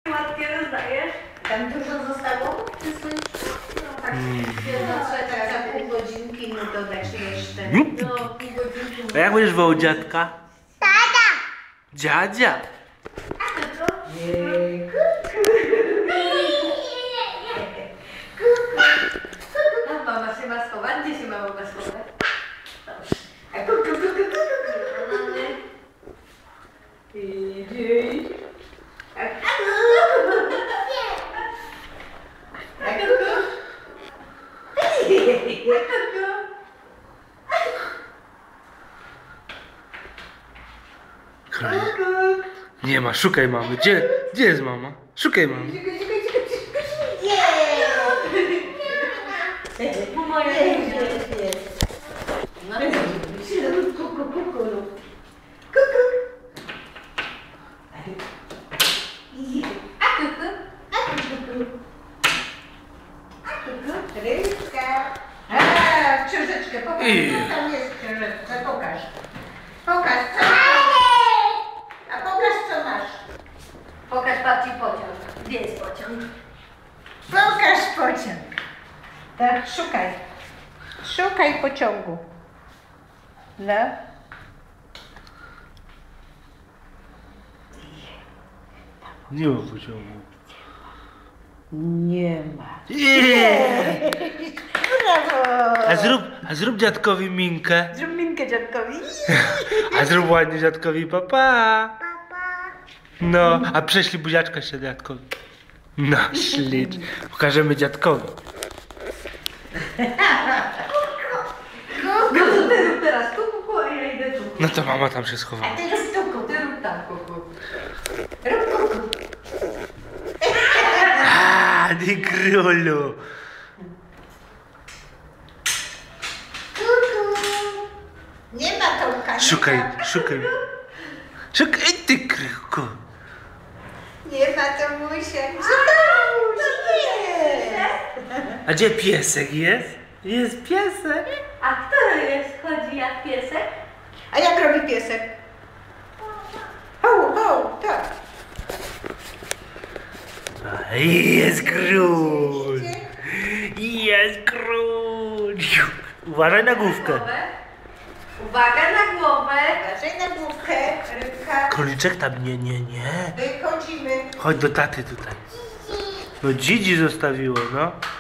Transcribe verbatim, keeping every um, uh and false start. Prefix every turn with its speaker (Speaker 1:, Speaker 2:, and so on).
Speaker 1: Ładnie rozdajesz?
Speaker 2: Tam dużo zostało? No tak, mm. no, tak za pół godzinki mu dodać jeszcze. No, pół godzinki.
Speaker 3: A jak będziesz wołał dziadka?
Speaker 4: Tata!
Speaker 3: Dziadzia!
Speaker 2: A to co? Nie. A mama się ma schować? Gdzie się mama ma schować? A kuku, kuku, kuku, kuku. Idzie. A kuku. A kuku. Kuku.
Speaker 3: Nie ma, szukaj mamy. Gdzie, gdzie jest mama? Szukaj mamy.
Speaker 2: Moja jest, jest. No kuku, kuku, kuku. Kuku. A kuku. A kuku. A kuku. Rybka. A, książeczkę, pokaż. Co tam jest w książeczce? Pokaż. Pokaż, co masz. A pokaż, co masz. Pokaż babci pociąg. Gdzie jest pociąg? Pokaż pociąg. Tak, szukaj. Szukaj pociągu. No.
Speaker 3: Nie ma pociągu.
Speaker 2: Nie ma.
Speaker 3: Nie.
Speaker 2: Brawo.
Speaker 3: A zrób, a zrób dziadkowi minkę.
Speaker 2: Zrób minkę dziadkowi.
Speaker 3: A zrób ładnie dziadkowi papa.
Speaker 4: Papa!
Speaker 3: No, a prześlij buziaczka jeszcze dziadkowi. No, ślicz. Pokażemy dziadkowi.
Speaker 2: No to ty rób teraz tu kuku, a ja idę tu.
Speaker 3: No to mama tam się
Speaker 2: A
Speaker 3: schowała.
Speaker 2: ty rób tu kuku, ty rób tam kuku. Rób kuku.
Speaker 3: A, ty królu.
Speaker 2: Kuku. Nie ma Tomka.
Speaker 3: Szukaj, szukaj. Szukaj, ty kryku.
Speaker 2: Nie ma Tomusia. Gdzie Tomuś? Nie.
Speaker 3: A gdzie piesek jest? Jest piesek.
Speaker 1: A kto jest? Chodzi jak piesek?
Speaker 2: A jak robi piesek? Ho, ho, tak.
Speaker 3: A, Jest król.
Speaker 2: Widzicie?
Speaker 3: Jest król. Uważaj na główkę.
Speaker 1: Uwaga na głowę!
Speaker 2: Uważaj na główkę, rybka.
Speaker 3: Króliczek tam nie, nie, nie.
Speaker 2: Wychodzimy.
Speaker 3: Chodź do taty tutaj. No dzidzi zostawiło, no.